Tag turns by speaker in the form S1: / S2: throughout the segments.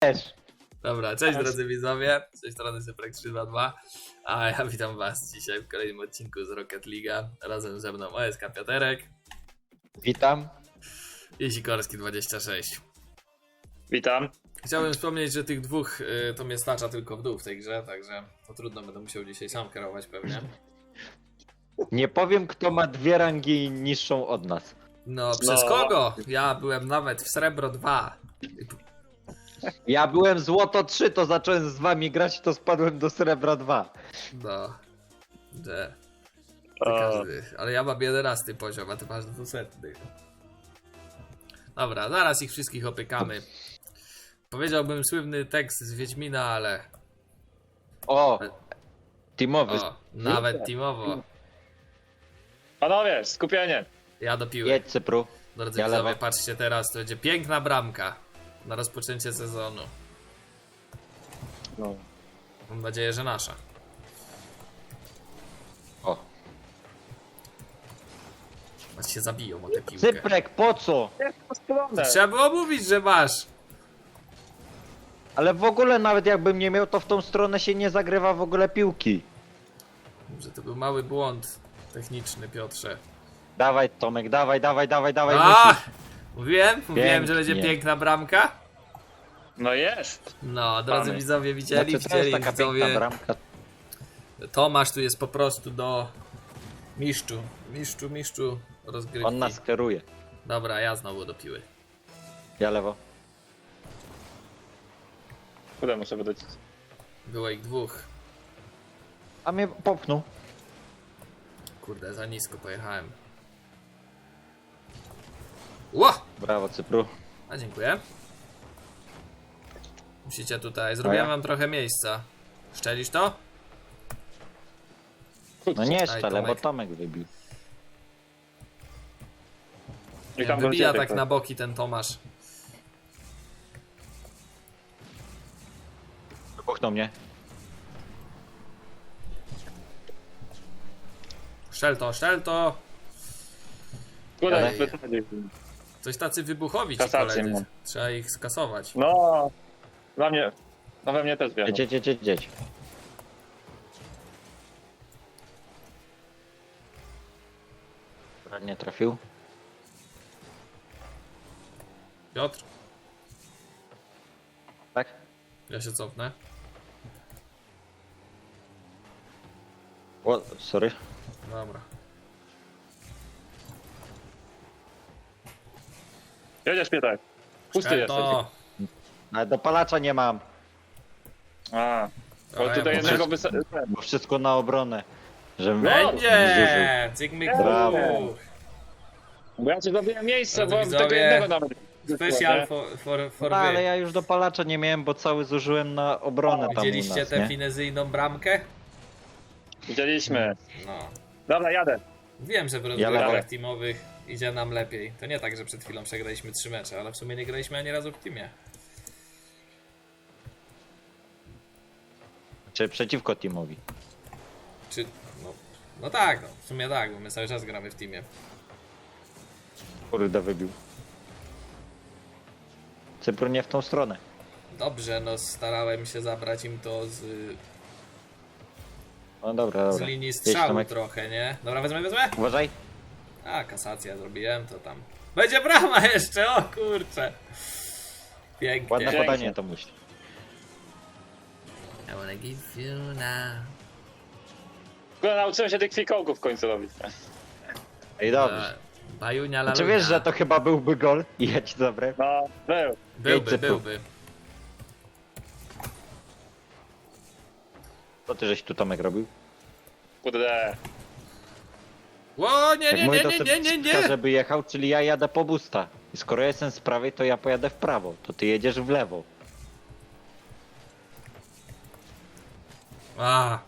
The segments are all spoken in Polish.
S1: też.
S2: Dobra, cześć drodzy widzowie, z tej strony Syprek322, a ja witam was dzisiaj w kolejnym odcinku z Rocket League'a. Razem ze mną OSK Pioterek
S1: Witam.
S2: i Sikorski 26.
S3: Witam.
S2: Chciałbym wspomnieć, że tych dwóch to mnie stacza tylko w dół w tej grze, także to trudno, będę musiał dzisiaj sam kierować pewnie.
S1: Nie powiem, kto ma 2 rangi niższą od nas.
S2: No, przez kogo? Ja byłem nawet w Srebro 2.
S1: Ja byłem złoto 3, to zacząłem z wami grać, to spadłem do srebra 2.
S2: No, że... to każdy. Ale ja mam 11 poziom, a ty masz 200. Dobra, zaraz ich wszystkich opykamy. Powiedziałbym słynny tekst z Wiedźmina, ale...
S1: O! Teamowy.
S2: O, nawet teamowo.
S3: Panowie, skupienie.
S2: Ja do piły.
S1: Jedź Cypru.
S2: Drodzy
S1: ja
S2: widzowie,
S1: lewo.
S2: patrzcie teraz, to będzie piękna bramka na rozpoczęcie sezonu.
S3: No.
S2: Mam nadzieję, że nasza.
S1: O.
S2: Choć się zabiją o tę piłkę.
S1: Cyprek, po co?
S2: Trzeba było mówić, że masz.
S1: Ale w ogóle nawet jakbym nie miał, to w tą stronę się nie zagrywa w ogóle piłki.
S2: Że to był mały błąd techniczny, Piotrze.
S1: Dawaj Tomek, dawaj,
S2: A!
S1: musisz.
S2: Mówiłem, że
S1: Pięknie.
S2: będzie piękna bramka.
S3: No jest.
S2: No, drodzy
S3: Mamy.
S2: widzowie, widzieli,
S1: Znaczy, to jest taka piękna
S2: widzowie.
S1: bramka.
S2: Tomasz tu jest po prostu do mistrzu rozgrywki.
S1: On nas kieruje.
S2: Dobra, ja znowu do piły.
S1: Ja lewo.
S3: Kurde, muszę wydać.
S2: Było ich dwóch.
S1: A mnie popchnął.
S2: Kurde, za nisko pojechałem. Ło!
S1: Brawo Cypru.
S2: A dziękuję. Musicie tutaj, zrobiłem wam trochę miejsca. Szczelisz to?
S1: No nie
S2: Daj,
S1: szczele, bo
S2: Tomek.
S1: Tomek wybił.
S3: I tam
S2: Wybija
S3: wróciłem,
S2: tak na boki ten Tomasz.
S1: Popchnął mnie.
S2: Szczel to!
S3: Kurde,
S2: Ej.
S3: wysadził.
S2: Coś tacy wybuchowi ci
S3: Kasację
S2: koledzy.
S3: mam.
S2: Trzeba ich skasować.
S3: No. Dla mnie. No we mnie też wiem.
S1: Jedź. Nie trafił.
S2: Piotr,
S1: Tak?
S2: ja się cofnę.
S1: O, sorry.
S2: Dobra.
S3: Jedziesz, Pietek. Pusty
S2: Szczel
S3: jesteś.
S2: to!
S1: Ale dopalacza nie mam,
S3: A. Bo
S2: Dobra,
S3: tutaj
S2: ja
S3: jednego
S1: bo wszystko na obronę. Żebym
S2: Będzie! Cygmyk
S1: Brawo.
S3: Bo ja ci zrobiłem miejsce,
S2: Drodzy
S3: bo
S2: widzowie,
S3: tego jednego nawet.
S2: Special for
S1: No, ale
S2: wy.
S1: ja już dopalacza nie miałem, bo cały zużyłem na obronę tam u
S2: Widzieliście
S1: nas,
S2: tę
S1: nie?
S2: finezyjną bramkę?
S3: Widzieliśmy.
S2: No.
S3: Dobra, jadę.
S2: Wiem, że w
S1: Ja
S2: rozgrywkach
S1: lewo.
S2: teamowych idzie nam lepiej. To nie tak, że przed chwilą przegraliśmy 3 mecze, ale w sumie nie graliśmy ani razu w teamie.
S1: Czy przeciwko teamowi.
S2: Czy... No tak, no. W sumie tak, bo my cały czas gramy w teamie.
S1: Kurde, wybił. Cypru nie w tą stronę.
S2: Dobrze, no starałem się zabrać im to z
S1: No dobra.
S2: linii
S1: Jedź,
S2: strzału
S1: Tomek.
S2: trochę, nie? Dobra, wezmę.
S1: Uważaj.
S2: A, kasacja zrobiłem, to tam. Będzie brama jeszcze, o kurcze. Pięknie.
S1: Ładne
S3: Pięknie.
S1: podanie to musi.
S2: I wanna give you now.
S3: Kurde, nauczyłem się tych fikołków w końcu robić.
S1: Ej, dobrze.
S2: Bajunia
S1: Czy
S2: lalunia.
S1: wiesz, że to chyba byłby gol? I ja ci zabrę.
S3: No, był.
S2: Byłby.
S1: Co ty żeś tu Tomek robił?
S3: Kurde.
S2: Ło,
S1: Jak mówię, to
S2: nie.
S1: Cypka, żeby jechał, czyli ja jadę po busta. I skoro ja jestem z prawej, to ja pojadę w prawo. To ty jedziesz w lewo.
S2: A.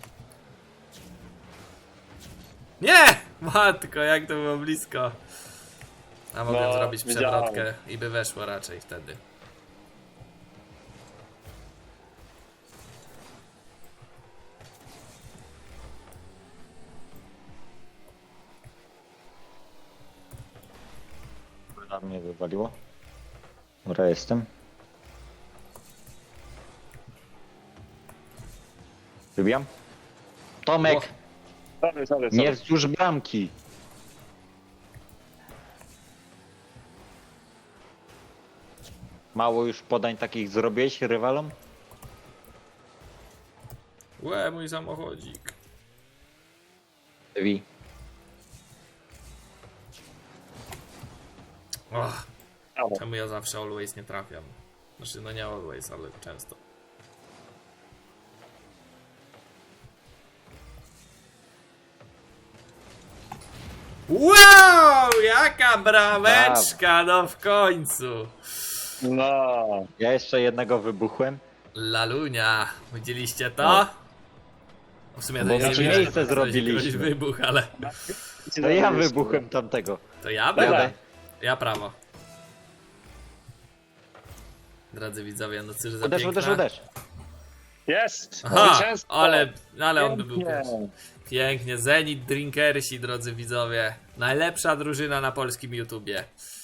S2: Nie! Matko, jak to było blisko. A mogłem
S3: No,
S2: zrobić
S3: widziałem.
S2: przewrotkę i by weszło raczej wtedy.
S1: Na mnie wywaliło. Dobra, jestem. Wybijam. Tomek,
S3: Sorry.
S1: nie wzdłuż bramki. Mało już podań takich zrobiłeś rywalom?
S2: Łe, mój samochodzik.
S1: Wi.
S2: Och,
S3: Brawo.
S2: czemu ja zawsze always nie trafiam? Znaczy, no nie always, ale często. Wow, jaka brameczka, no w końcu.
S3: No.
S1: Ja jeszcze jednego wybuchłem.
S2: Lalunia, widzieliście to? W sumie to
S1: Bo
S2: nie
S1: znaczy
S2: widziałem,
S1: miejsce
S2: że ktoś
S1: zrobiliśmy.
S2: wybuch, ale
S1: To ja wybuchłem tamtego.
S2: to ja
S3: Dobra.
S2: będę. Ja prawo. Drodzy widzowie, no cóż za
S1: Uderz,
S2: piękna...
S1: uderz.
S3: Jest!
S2: Aha,
S3: Zwycięstwo!
S2: ale on by był
S3: Pięknie.
S2: pierwszy. Pięknie, Zenit Drinkersi, drodzy widzowie. Najlepsza drużyna na polskim YouTubie.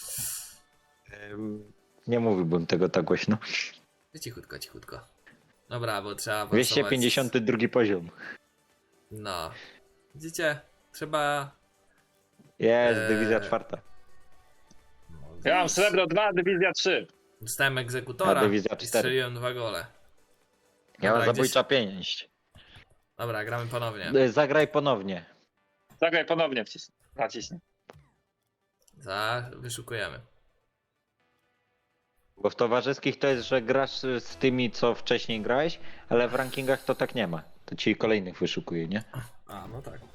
S1: Nie mówiłbym tego tak głośno.
S2: Cichutko, cichutko. Dobra, bo trzeba awansować.
S1: 252 poziom.
S2: No. Widzicie? Trzeba...
S1: Jest,
S2: Eee.
S1: dywizja czwarta.
S3: Ja mam srebro 2, dywizja 3.
S2: Dostałem egzekutora
S1: A dywizja
S2: i
S1: 4.
S2: strzeliłem 2 gole.
S1: Ja mam
S2: Dobra,
S1: zabójcza pięść.
S2: Dobra, gramy ponownie.
S1: Zagraj ponownie.
S3: Zagraj ponownie naciśnij.
S2: Wyszukujemy.
S1: Bo w towarzyskich to jest, że grasz z tymi, co wcześniej grałeś, ale w rankingach to tak nie ma. To ci kolejnych wyszukuje, nie?
S2: A, no tak.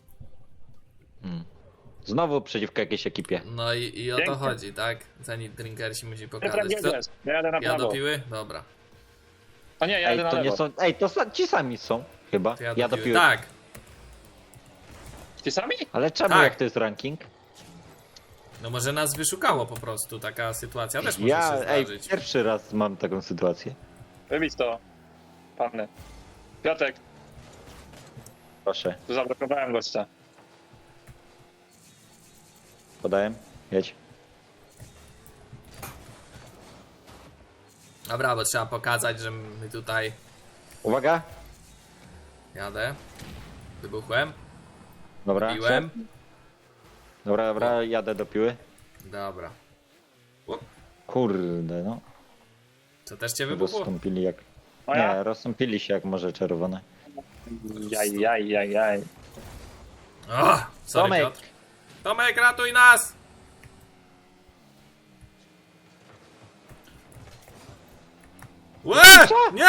S1: Znowu przeciwko jakiejś ekipie.
S2: No i o to
S3: Pięknie.
S2: chodzi, tak? Zenit Drinkersi musi
S3: Piotrek,
S2: pokazać.
S3: gdzie
S2: Kto...
S3: jedziesz? Ja jadę na
S2: Ja
S3: prawo.
S2: do piły? Dobra.
S3: O nie, ja
S1: Ej,
S3: jadę na
S1: to
S3: lewo.
S1: nie są. Ej, to ci sami są, chyba.
S2: To
S1: Ja do piły.
S2: Tak.
S3: Ci sami?
S1: Ale czemu
S2: Tak.
S1: jak to jest ranking?
S2: No może nas wyszukało po prostu. Taka sytuacja też może
S1: Ja,
S2: się
S1: ej,
S2: zdarzyć.
S1: pierwszy raz mam taką sytuację.
S3: Wybić to. Panny. Piotrek,
S1: Proszę,
S3: tu zablokowałem gościa.
S1: podałem. Jedź.
S2: Dobra, bo trzeba pokazać, że my tutaj
S1: Uwaga.
S2: jadę. Wybuchłem.
S1: Dobra.
S2: Biłem.
S1: Dobra, jadę do piły.
S2: Dobra. Up.
S1: Kurde, no.
S2: Co też cię wybuchło?
S1: Rozstąpili jak.
S3: O ja?
S1: Nie, rozstąpili się jak morze czerwone.
S3: Jaj.
S2: O, sorry,
S1: Tomek.
S2: Piotr. Tomek, ratuj nas! Łe! Nie!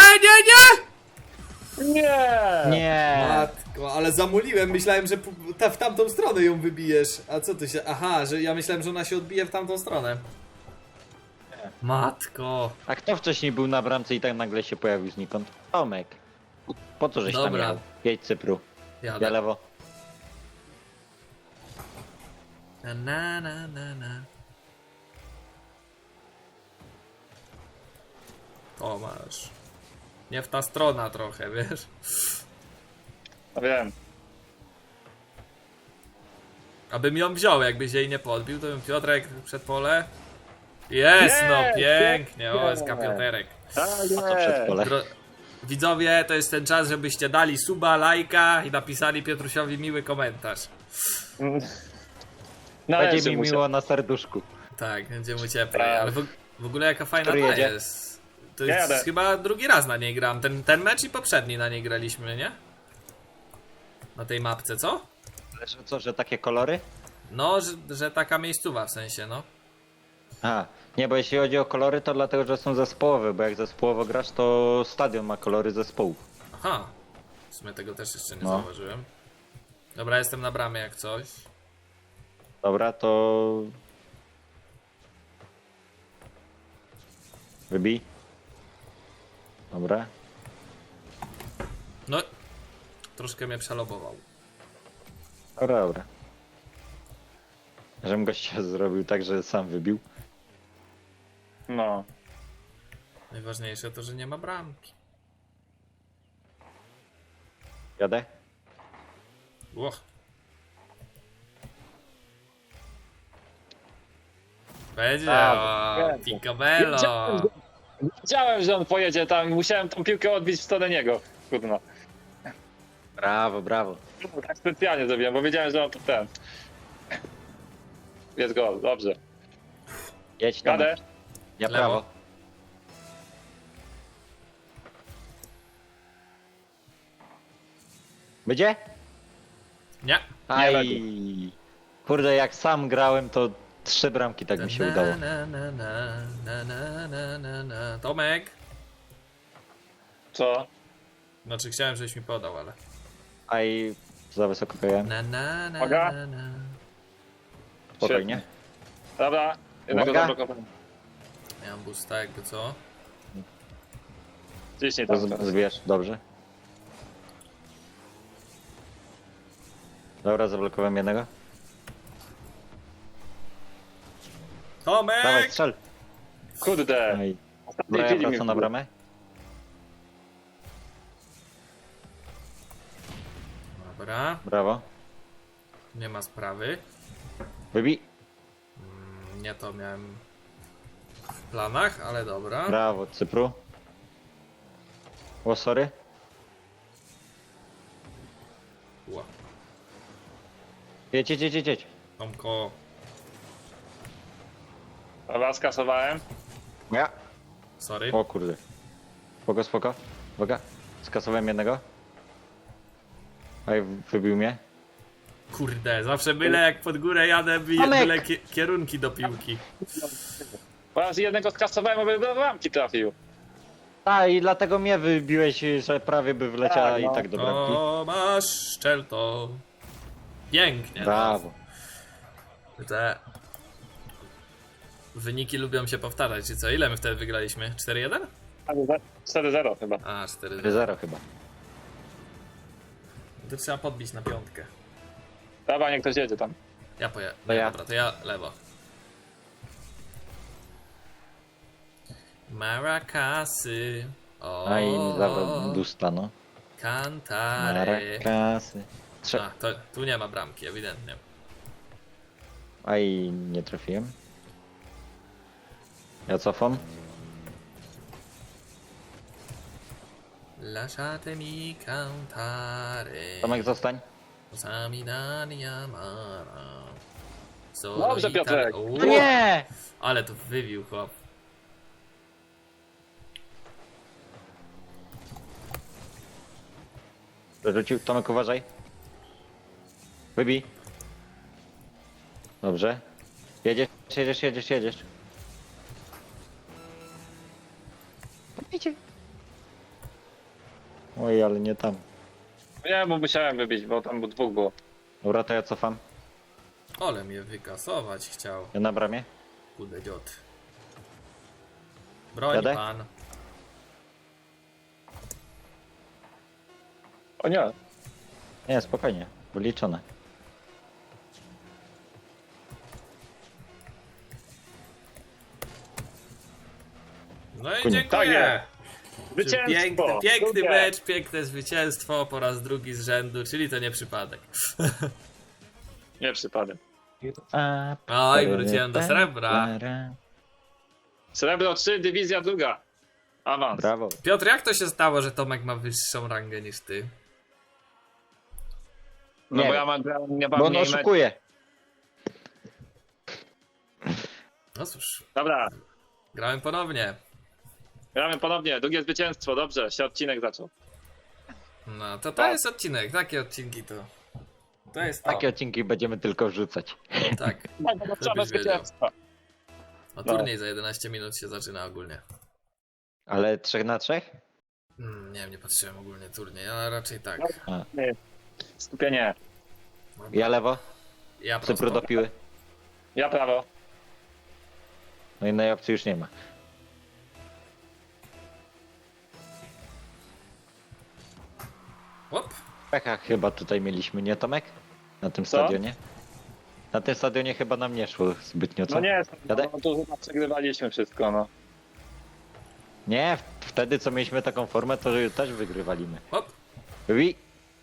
S3: Nie!
S1: Nie!
S2: Matko, ale zamuliłem, myślałem, że w tamtą stronę ją wybijesz. A co ty się... Aha, że ja myślałem, że ona się odbije w tamtą stronę. Matko.
S1: A kto wcześniej był na bramce i tak nagle się pojawił znikąd? Tomek. Po co żeś tam
S2: Dobra.
S1: jechał? Jedź Cypru. Ja
S2: Jadę.
S1: lewo.
S2: Na. O, masz. Nie w ta strona trochę, wiesz?
S3: No wiem.
S2: Abym ją wziął, jakbyś jej nie podbił, to bym Piotrek przed pole. Jest, no pięknie, o, jest Piotrek.
S3: Tak,
S1: Po co przed pole?
S2: Widzowie, to jest ten czas, żebyście dali suba, lajka i napisali Piotrusiowi miły komentarz.
S1: Będzie mi miło na serduszku.
S2: Tak, będzie mu cieplej,
S3: Tak.
S2: ale w ogóle jaka fajna
S1: Który
S2: ta
S1: jedzie?
S2: jest. To
S3: Ja
S2: jest
S3: jadę.
S2: chyba drugi raz na niej gram. Ten mecz i poprzedni na niej graliśmy, nie? Na tej mapce, co?
S1: Ale że co, że takie kolory?
S2: No, że taka miejscowa w sensie, no.
S1: A, nie, bo jeśli chodzi o kolory, to dlatego, że są zespołowe, bo jak zespołowo grasz, to stadion ma kolory zespołów.
S2: Aha. W sumie tego też jeszcze nie
S1: No.
S2: zauważyłem. Dobra, jestem na bramie jak coś.
S1: Dobra, to... Wybij. Dobra.
S2: No, troszkę mnie przelobował.
S1: Dobra. Żebym gościa zrobił tak, że sam wybił.
S3: No.
S2: Najważniejsze to, że nie ma bramki.
S1: Jadę?
S2: Łoch. Będzie, o,
S3: Będzie.
S2: picobello.
S3: Wiedziałem, że on pojedzie tam i musiałem tą piłkę odbić w stronę niego. Kurno.
S1: Brawo, brawo.
S3: Tak specjalnie zrobiłem, bo wiedziałem, że on to ten. Jest gol, dobrze.
S1: Jedź tam.
S3: Jadę.
S1: Ja
S2: Lewo.
S1: prawo. Będzie?
S2: Nie.
S1: Aj. Kurde, jak sam grałem, to 3 bramki tak mi się udało.
S2: Na. Tomek!
S3: Co?
S2: Znaczy chciałem, żeś mi podał, ale...
S1: Aj, za wysoko pojechałem.
S3: Uwaga.
S1: Spokojnie.
S3: Dobra, jednego
S1: Uwaga.
S3: zablokowałem.
S2: Ja mam boosta, jakby co?
S3: Ciśnij tam.
S1: Zbierz, dobrze. Dobra, zablokowałem jednego. Dawaj,
S2: Tomek!
S1: strzel.
S3: Kurde.
S1: Aj.
S3: Ostatniej
S1: Dobra, ja
S3: chwili mi
S1: wracam na
S3: wbił.
S1: bramę.
S2: Dobra,
S1: Brawo.
S2: nie ma sprawy.
S1: Wybij.
S2: Nie to miałem w planach, ale dobra.
S1: Brawo, Cypru. O, sorry.
S2: Ła.
S1: Jedź, jedź, jedź, jedź, jedź.
S2: Tomko,
S3: Dobra, skasowałem.
S1: Ja.
S2: sorry.
S1: O kurde. Spoko, spoko. Uwaga. Skasowałem jednego. Aj, wybił mnie.
S2: Kurde, zawsze byle jak pod górę jadę,
S1: Tomek!
S2: byle kierunki do piłki.
S3: Bo ja z jednego skasowałem, aby do bramki trafił.
S1: A i dlatego mnie wybiłeś, że prawie by wleciała
S3: Tak, no.
S1: i tak do bramki.
S2: O, masz szczel to. Pięknie.
S1: Brawo.
S2: Te wyniki lubią się powtarzać, czy co? Ile my wtedy wygraliśmy? 4-1?
S3: 4-0 chyba.
S2: A, 4-0.
S1: 4-0 chyba.
S2: To trzeba podbić na piątkę.
S3: Dobra, niech ktoś jedzie tam.
S2: Ja pojadę.
S1: To ja.
S2: Dobra, to ja lewo. Maracasy. O,
S1: A i mi zabrał busta, no.
S2: Cantare.
S1: Marakasy.
S2: A, to tu nie ma bramki, ewidentnie.
S1: A i nie trafiłem. Ja cofam.
S2: Lasciatemi cantare.
S1: Tomek, zostań.
S2: Samidani amara.
S3: Dobrze, Piotrek.
S1: No nie!
S2: Ale to wybił chłop.
S1: Rzucił. Tomek, uważaj. Wybij. Dobrze. Jedziesz, jedziesz, jedziesz, jedziesz. Idzie. Oj, ale nie tam.
S3: Nie, bo musiałem wybić, bo tam dwóch było.
S1: Dobra, to ja cofam.
S2: Ale mnie wykasować chciał.
S1: Ja na bramie.
S2: Kudę dziot. Broń
S1: Jadę?
S2: pan.
S3: O nie.
S1: Nie, spokojnie. Wyliczone.
S2: No i
S1: Koniec.
S3: Tak
S2: dziękuję.
S3: jest. Zwycięstwo!
S2: Piękny
S3: Drugie.
S2: mecz, piękne zwycięstwo po raz drugi z rzędu, czyli to nie przypadek.
S3: Nie przypadek.
S2: Oj, wróciłem do srebra.
S3: Srebro 3, dywizja druga. Awans.
S1: Brawo.
S2: Piotr, jak to się stało, że Tomek ma wyższą rangę niż ty?
S3: No
S1: Nie
S3: bo
S1: wiem.
S3: ja mam nie
S1: Bo
S3: mam
S1: on
S3: mniej mecz.
S1: oszukuje.
S2: No cóż,
S3: Dobra,
S2: grałem ponownie.
S3: gramy ponownie. Drugie zwycięstwo, dobrze. Się odcinek zaczął.
S2: No to
S3: Tak.
S2: jest odcinek, takie odcinki to. To jest to.
S1: Takie odcinki będziemy tylko wrzucać.
S2: Tak.
S3: Tak, to trzeba
S2: Żebyś wiedział.
S3: zwycięstwa.
S2: No turniej za 11 minut się zaczyna ogólnie.
S1: Ale 3 na 3?
S2: Nie wiem, nie patrzyłem ogólnie turniej, ale raczej tak.
S3: Skupienie.
S1: Ja lewo,
S2: Ja
S1: Cypru
S2: prosto.
S1: do piły.
S3: Ja prawo.
S1: No innej opcji już nie ma.
S2: Hop.
S1: Pecha chyba tutaj mieliśmy, nie Tomek? Na tym
S3: Co?
S1: stadionie? Na tym stadionie chyba nam nie szło zbytnio, co?
S3: No nie,
S1: Jadę?
S3: no to chyba przegrywaliśmy wszystko, no.
S1: Nie, wtedy co mieliśmy taką formę, to też wygrywaliśmy.
S2: Hop.
S1: Wybij.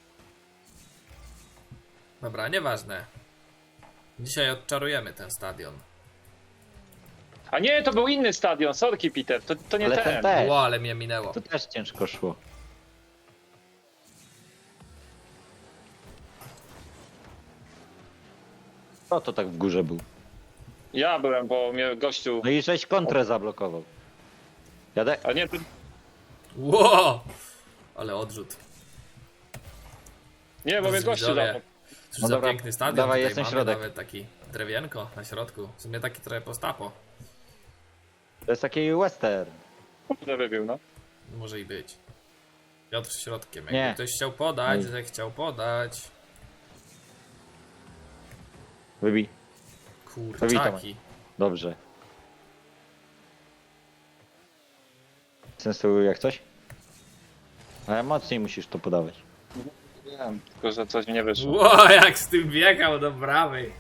S2: Dobra, nieważne. Dzisiaj odczarujemy ten stadion.
S3: A nie, to był inny stadion, sorki Peter, to nie
S1: Ale
S3: ten.
S1: ten też.
S2: Ło, ale mnie minęło.
S1: To też ciężko szło. Kto to tak w górze był?
S3: Ja byłem, bo mnie gościu...
S1: No i żeś kontrę zablokował. Jadę?
S3: A nie, ty...
S2: Ło! Ale odrzut.
S3: Nie, bo mnie gościu
S2: Widzowie,
S3: zapał.
S2: Cóż
S1: No
S2: za
S1: dobra,
S2: piękny stadion.
S1: dawaj,
S2: Tutaj
S1: jest ten
S2: mamy
S1: środek.
S2: nawet taki drewienko na środku. W sumie taki trochę postapo.
S1: To jest taki western.
S3: Kurde wybił, no.
S2: Może i być. Piotr środkiem.
S1: Nie.
S2: Jakby ktoś chciał podać,
S1: Oj.
S2: że chciał podać.
S1: Wybij.
S2: Kurczaki.
S1: Dobrze. Sensu jak coś? Ale mocniej musisz to podawać.
S3: Wiem, tylko że coś mi nie wyszło.
S2: Ło, jak z tym biegał do prawej.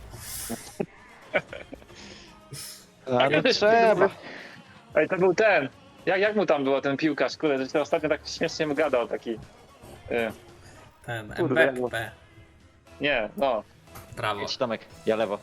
S1: Ale trzeba.
S3: Ej, to był ten. Jak mu tam było ten piłkarz? Kurde, że się ostatnio tak śmiesznie mu gadał, taki...
S2: Ten
S3: Kurde,
S2: MBP.
S3: Nie, no.
S2: Prawo.
S1: Jedź Tomek, ja lewo.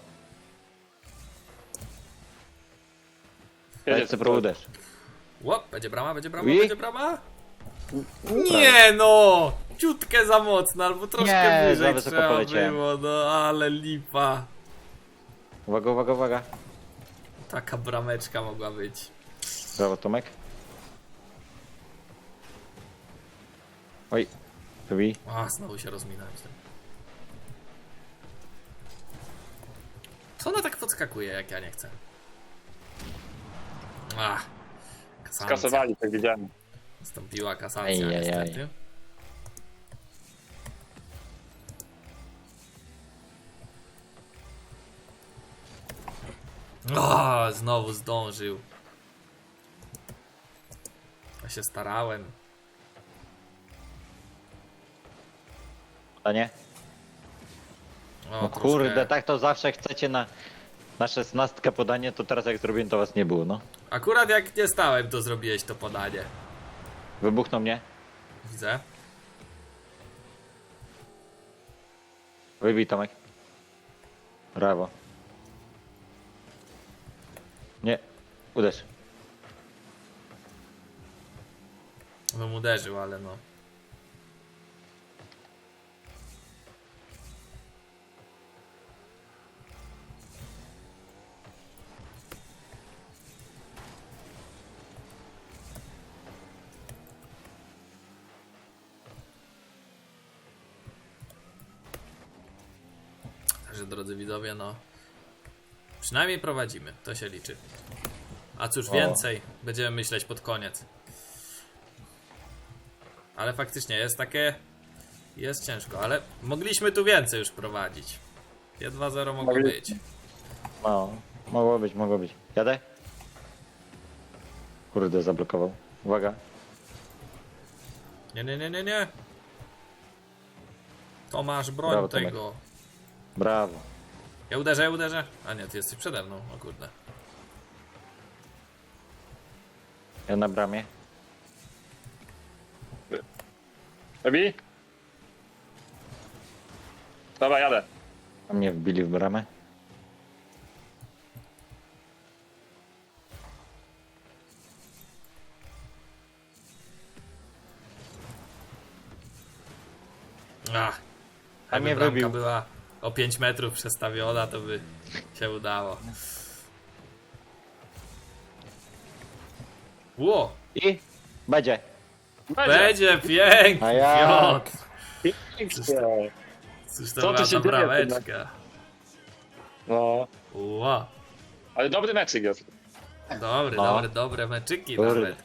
S3: Jedzie
S1: Lecę
S3: tu.
S2: No.
S1: uderz.
S2: Łop, będzie brama, będzie brama,
S1: I?
S2: będzie brama. Nie no! Ciutkę za mocno, albo troszkę
S1: Nie, za
S2: wyżej
S1: wysoko
S2: trzeba
S1: poleciałem.
S2: było, no ale lipa.
S1: Uwaga, uwaga, uwaga.
S2: Taka brameczka mogła być.
S1: Brawo Tomek. Oj, wybij.
S2: A, znowu się rozminąłem z tym. Co ona tak podskakuje, jak ja nie chcę? Ach, kasacja.
S3: Skasowali, tak widziałem.
S2: Nastąpiła kasacja
S1: Ejejej.
S2: niestety. O, znowu zdążył. Ja się starałem.
S1: A nie?
S2: O,
S1: No
S2: troszkę-
S1: kurde, tak to zawsze chcecie na 16 podanie, to teraz jak zrobiłem to was nie było, no.
S2: Akurat jak nie stałem, to zrobiłeś to podanie.
S1: Wybuchnął mnie.
S2: Widzę.
S1: Wybij Tomek. Brawo. Nie, uderz.
S2: Bym uderzył, ale no. Także drodzy widzowie, no. Przynajmniej prowadzimy, to się liczy. A cóż
S1: O.
S2: więcej, będziemy myśleć pod koniec. Ale faktycznie jest takie... Jest ciężko, ale mogliśmy tu więcej już prowadzić. 2-0 mogło
S3: Mogli-
S2: być.
S1: No, mogło być, mogło być. Jadę? Kurde, zablokował. Uwaga.
S2: Nie, nie, nie, nie, nie. Tomasz, broń
S1: Brawo, Tomek.
S2: tego.
S1: Brawo.
S2: Ja uderzę, ja uderzę. A nie, ty jesteś przede mną, o kurde.
S1: Ja na bramie.
S3: Robi? Dobra, jadę.
S1: A mnie wbili w bramę.
S2: Ach.
S1: A
S2: Jakby
S1: mnie
S2: bramka
S1: wybił.
S2: była o 5 metrów przestawiona, to by się udało. Ło!
S1: I będzie.
S2: Będzie pięknie,
S1: A jak?
S2: Piotr.
S3: Pięknie.
S2: Cóż to
S3: Co
S2: była
S3: tu się
S2: za
S3: dzieje,
S2: brameczka.
S3: No.
S2: Ło.
S3: Ale dobry meczyk jest.
S2: Dobry,
S1: No.
S2: dobre meczyki
S1: Kurde.
S2: nawet.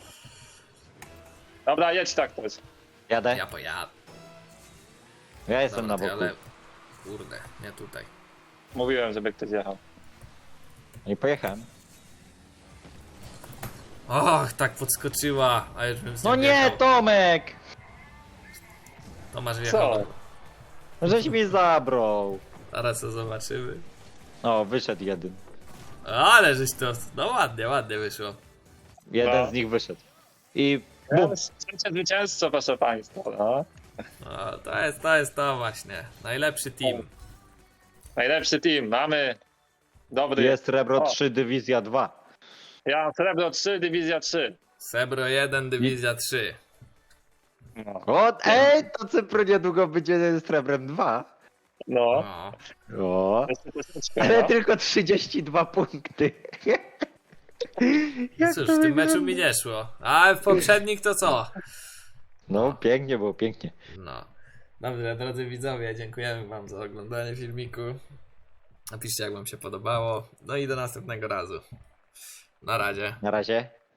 S3: Dobra, jedź tak też.
S1: Jadę.
S2: Ja pojadę.
S1: Ja jestem
S2: Dobra,
S1: na
S2: ty,
S1: boku.
S2: ale... Kurde, nie tutaj.
S3: Mówiłem, żeby ktoś jechał.
S1: I pojechałem.
S2: Och, tak podskoczyła, a już bym z nią
S1: No nie,
S2: wjechał.
S1: Tomek!
S2: Tomasz
S3: Co?
S2: wjechał.
S1: Żeś mi zabrał.
S2: Zaraz to zobaczymy.
S1: O, wyszedł jeden.
S2: Ale żeś to... No ładnie, ładnie wyszło.
S1: Jeden
S3: No.
S1: z nich wyszedł. I bum.
S3: Trzecie zwycięzco, proszę państwa. No.
S2: No, to jest to właśnie. Najlepszy team.
S3: Najlepszy team. Mamy dobry.
S1: Jest Rebro
S3: O.
S1: 3, Dywizja 2.
S3: Ja mam Srebro 3, Dywizja 3.
S2: Sebro 1, Dywizja 3.
S3: No.
S1: O, ej, to Cypru niedługo będzie z Rebrem 2.
S3: No.
S2: No.
S1: O,
S3: To jest troszeczkę,
S1: ale
S3: no.
S1: tylko 32 punkty. Jak
S2: Cóż,
S1: to
S2: w tym
S1: wygląda?
S2: meczu mi nie szło. A w poprzednich to co?
S1: No, pięknie było, pięknie.
S2: No. Dobrze, drodzy widzowie, dziękujemy wam za oglądanie filmiku. Napiszcie, jak wam się podobało. No i do następnego razu. Na razie.
S1: Na razie.